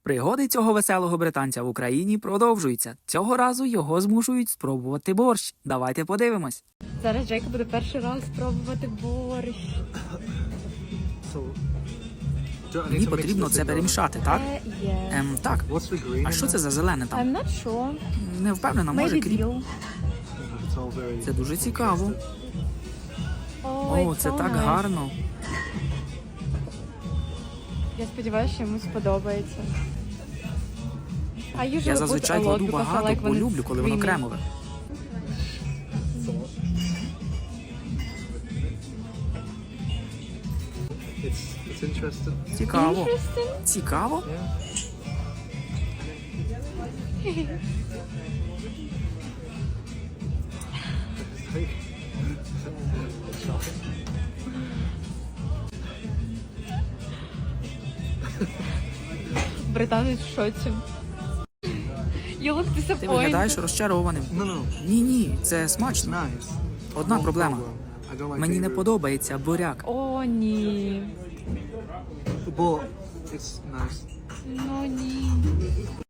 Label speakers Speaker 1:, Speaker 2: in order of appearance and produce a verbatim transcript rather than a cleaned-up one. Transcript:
Speaker 1: Пригоди цього веселого британця в Україні продовжуються. Цього разу його змушують спробувати борщ. Давайте подивимось.
Speaker 2: Зараз Джейка буде перший раз спробувати борщ.
Speaker 1: Мені потрібно це перемішати, так?
Speaker 2: Е, є.
Speaker 1: Ем, так. А що це за зелене там?
Speaker 2: I'm not sure.
Speaker 1: Не впевнена, може
Speaker 2: Maybe
Speaker 1: кріп.
Speaker 2: dill.
Speaker 1: Це дуже цікаво.
Speaker 2: О,
Speaker 1: О, це так гарно.
Speaker 2: Я сподіваюся, що йому сподобається. I usually
Speaker 1: Я
Speaker 2: put
Speaker 1: зазвичай
Speaker 2: a lot
Speaker 1: кладу
Speaker 2: because I
Speaker 1: багато,
Speaker 2: like
Speaker 1: бо
Speaker 2: when
Speaker 1: люблю,
Speaker 2: it's
Speaker 1: коли воно
Speaker 2: creamy.
Speaker 1: кремове.
Speaker 3: It's it's interesting.
Speaker 1: Цікаво.
Speaker 2: Interesting.
Speaker 1: Цікаво?
Speaker 2: Британець в шоці. You look
Speaker 1: Ти виглядаєш
Speaker 2: disappointed.
Speaker 1: розчарованим.
Speaker 3: No, no,
Speaker 1: Ні-ні, це смачно.
Speaker 3: nice.
Speaker 1: Одна
Speaker 3: One
Speaker 1: проблема.
Speaker 3: problem. I don't like
Speaker 1: Мені не
Speaker 3: beetroot.
Speaker 1: подобається буряк.
Speaker 2: О, ні.
Speaker 3: But it's nice.
Speaker 2: Ну, ні.